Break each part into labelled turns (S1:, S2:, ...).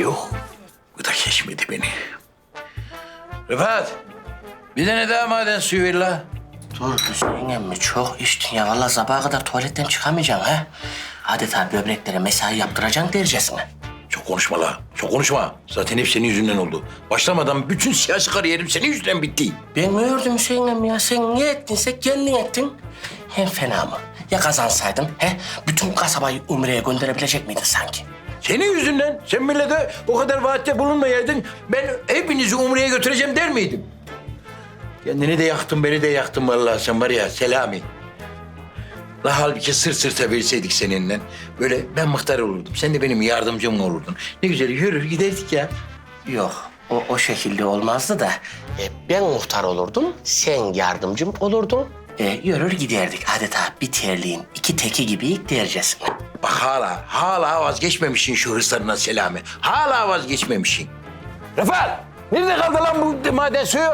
S1: Yok, bu da geçmedi beni. Rıfat, bir tane daha maden suyu ver la.
S2: Dur Hüseyin emmi çok içtin ya. Vallahi sabaha kadar tuvaletten çıkamayacaksın ha. Adeta böbreklere mesai yaptıracaksın dercesine.
S1: Çok konuşma la, çok konuşma. Zaten hep senin yüzünden oldu. Başlamadan bütün siyasi kariyerim senin yüzünden bitti.
S2: Ben mi ördüm Hüseyin emmi ya? Sen ne ettinse kendin ettin. Hem fena mı? Ya kazansaydın he? Bütün kasabayı Umre'ye gönderebilecek miydin sanki?
S1: Senin yüzünden, sen millete o kadar vaatte bulunmayaydın, ben hepinizi Umre'ye götüreceğim der miydim? Kendini de yaktın, beni de yaktın vallahi sen var ya Selami. La halbuki sırt sırta verseydik seninle, böyle ben muhtar olurdum, sen de benim yardımcım olurdun. Ne güzel yürür giderdik ya.
S2: Yok, o şekilde olmazdı da. Ben muhtar olurdum, sen yardımcım olurdun. Yürür giderdik. Adeta bir terliğin iki teki gibi dercesine.
S1: Bak hala vazgeçmemişsin şu hırslarından Selami. Hala vazgeçmemişsin. Rıfat, nerede kaldı lan bu maden suyu?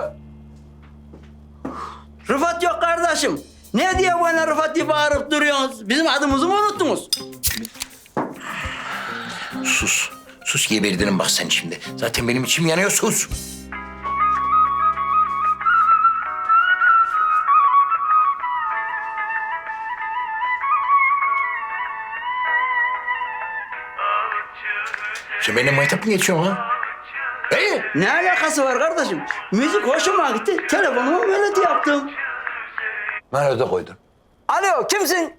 S3: Rıfat yok kardeşim. Ne diye bana Rıfat diye bağırıp duruyorsunuz? Bizim adımızı mı unuttunuz?
S1: Sus geberdirin bak sen şimdi. Zaten benim içim yanıyor, sus. Sen benimle maytap mı geçiyorsun ha?
S3: Ne alakası var kardeşim? Müzik hoşuma gitti. Telefonumu melodi yaptım.
S1: Nerede koydun?
S3: Alo kimsin?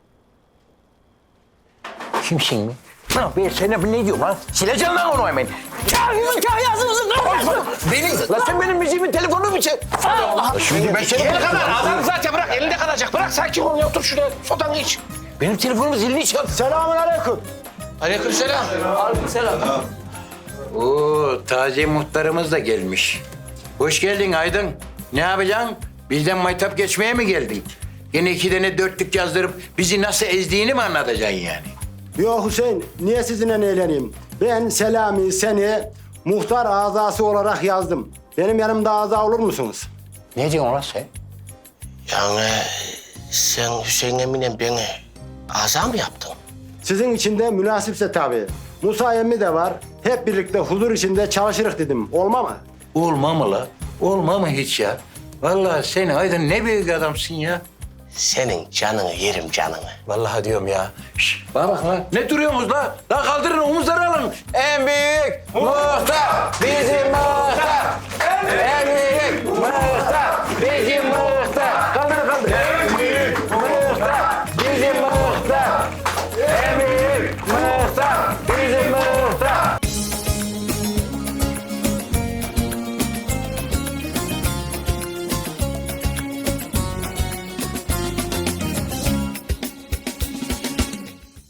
S1: Kimsin mi? Ben sana ne diyorum lan? Sileceğim lan onu hemen.
S3: Kahyası mısın kardeşim?
S1: Lan sen benim müziğimin telefonunu mu çek? Allah! Şimdi ben seni...
S4: Elinde kadar. Adam zaten bırak. Elinde kalacak. Bırak sakin ol. Otur şuraya. Sodan iç.
S1: Benim telefonumu zilini çal.
S4: Selamünaleyküm. Aleykümselam.
S3: Aleykümselam.
S1: Oo, taze muhtarımız da gelmiş. Hoş geldin Aydın. Ne yapacaksın? Bizden maytap geçmeye mi geldin? Yine 2 tane dörtlük yazdırıp bizi nasıl ezdiğini mi anlatacaksın yani?
S5: Yok Hüseyin, niye sizinle eğleneyim? Ben Selami seni muhtar azası olarak yazdım. Benim yanımda aza olur musunuz?
S1: Ne diyorsun lan sen?
S2: Yani sen Hüseyin emmiyle beni aza mı yaptın?
S5: Sizin için de münasipse tabii. Musa emmi de var. Hep birlikte huzur içinde çalışırız dedim. Olma mı?
S1: Olma mı la? Olma mı hiç ya? Vallahi sen Aydın ne büyük adamsın ya.
S2: Senin canını yerim canını.
S1: Vallahi diyorum ya. Şş, bana bak lan. Ne duruyorsunuz la? La kaldırın omuzları alın. En büyük muhtar bizim muhtar. En büyük muhtar